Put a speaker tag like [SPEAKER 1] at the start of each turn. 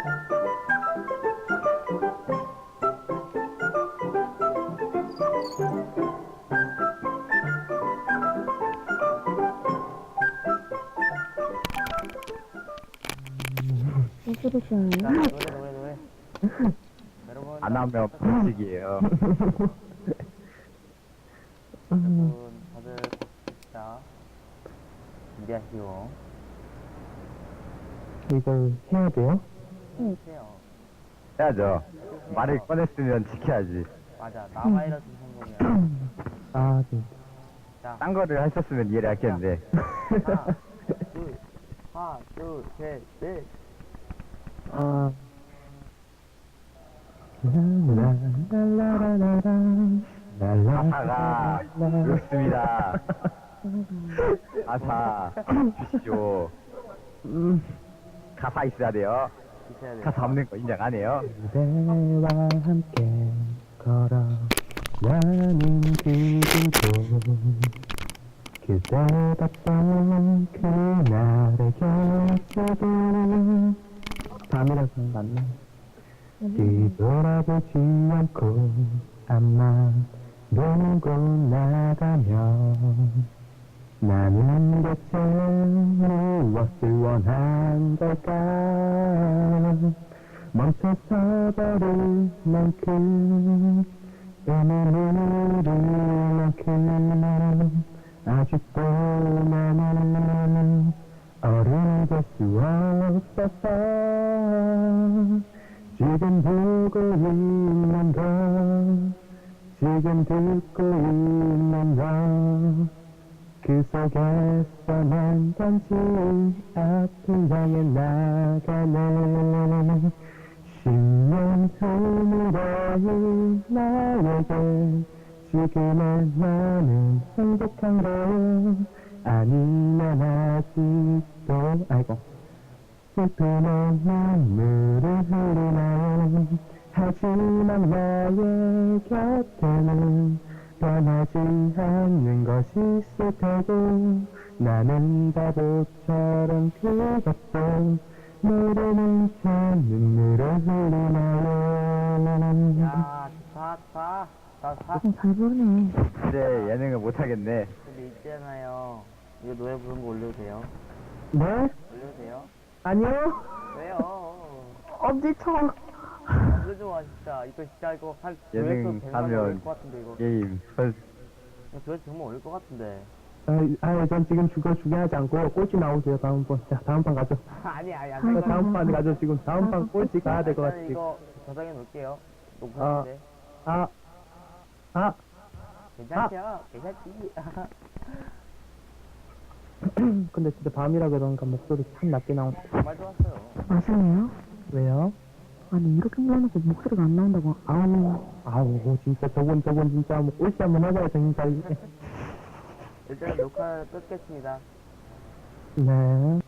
[SPEAKER 1] 소리시나요?
[SPEAKER 2] 자, 노래. 여러분,
[SPEAKER 3] 안 하면 벌칙이에요.
[SPEAKER 2] 여러분, 다들 봅시다. 준비하시오.
[SPEAKER 4] 이걸 해야 돼요?
[SPEAKER 2] 해주세요.
[SPEAKER 3] 해야죠. 말을 꺼냈으면 지켜야지.
[SPEAKER 2] 맞아, 나바이러스 성공이야.
[SPEAKER 4] 아, 진짜.
[SPEAKER 2] 자,
[SPEAKER 3] 딴 거를 하셨으면 이해를 했겠는데.
[SPEAKER 2] 하나, 둘, 셋, 넷.
[SPEAKER 4] 아. 랄라라라라라.
[SPEAKER 3] 가사가 그렇습니다. 가사 주시오. 가사 있어야 돼요.
[SPEAKER 2] 있어야 돼요.
[SPEAKER 3] 가사 없는 거 인정 안 해요.
[SPEAKER 4] 그대와 함께 걸어가는 기분도 그대 봤던 그날의 곁에도 밤이라서 맞나? 뒤돌아보지 않고 아마 놀고 나가면 나는 대체 무엇을 원한 걸까? 멈춰서 버릴 만큼 의미를 만큼 아직도 나는 어른이 될 수 없었어. 지금 보고 있는 거 지금 듣고 있는 거 그 속에서 난 단지 앞을 향해 나가네. 10년 후미래의 나에게 지금의 나는 행복한 거 아니면 아직도 아이고 슬픔의 눈물을 흘리나요. 하지만 나의 곁에는 변하지 않는 것이 있을 테고 나는 바보처럼 그것도 모르는 채 눈물을 흘리나요.
[SPEAKER 2] 야, 좋다.
[SPEAKER 1] 잘 부르네.
[SPEAKER 3] 이제 예능을 못 하겠네.
[SPEAKER 2] 근데 있잖아요. 이거 노래 부른 거 올려도 돼요?
[SPEAKER 4] 네?
[SPEAKER 2] 올려도 돼요?
[SPEAKER 4] 아니요?
[SPEAKER 2] 왜요?
[SPEAKER 1] 엄지척.
[SPEAKER 2] 안 좋아, 진짜. 이거 진짜 이거 한
[SPEAKER 3] 예능
[SPEAKER 2] 조회수 100만
[SPEAKER 3] 하면
[SPEAKER 2] 올릴 것 같은데, 이거.
[SPEAKER 3] 게임 선
[SPEAKER 2] 이거 조회수 정말 올릴 것 같은데.
[SPEAKER 4] 전 지금 중요하지 않고 꼴찌 나오세요. 다음번. 자, 다음 판 가죠.
[SPEAKER 2] 아니, 안
[SPEAKER 4] 다음 판 가죠. 지금 다음 판 꼴찌 가야 될 것 같아.
[SPEAKER 2] 일단은 이거 저장해 놓을게요.
[SPEAKER 4] 아.
[SPEAKER 2] 녹화인데. 괜찮죠? 괜찮지?
[SPEAKER 4] 근데 진짜 밤이라 그런가 목소리 참 낮게 나온.
[SPEAKER 2] 정말 좋았어요.
[SPEAKER 1] 아시네요?
[SPEAKER 4] 왜요?
[SPEAKER 1] 아니, 이렇게 불러놓고 목소리가 안 나온다고.
[SPEAKER 4] 아우, 진짜 저건 진짜 뭐 꼴찌 한번 해봐야 정신 차리게.
[SPEAKER 2] 일단 녹화 끊겠습니다.
[SPEAKER 4] 네.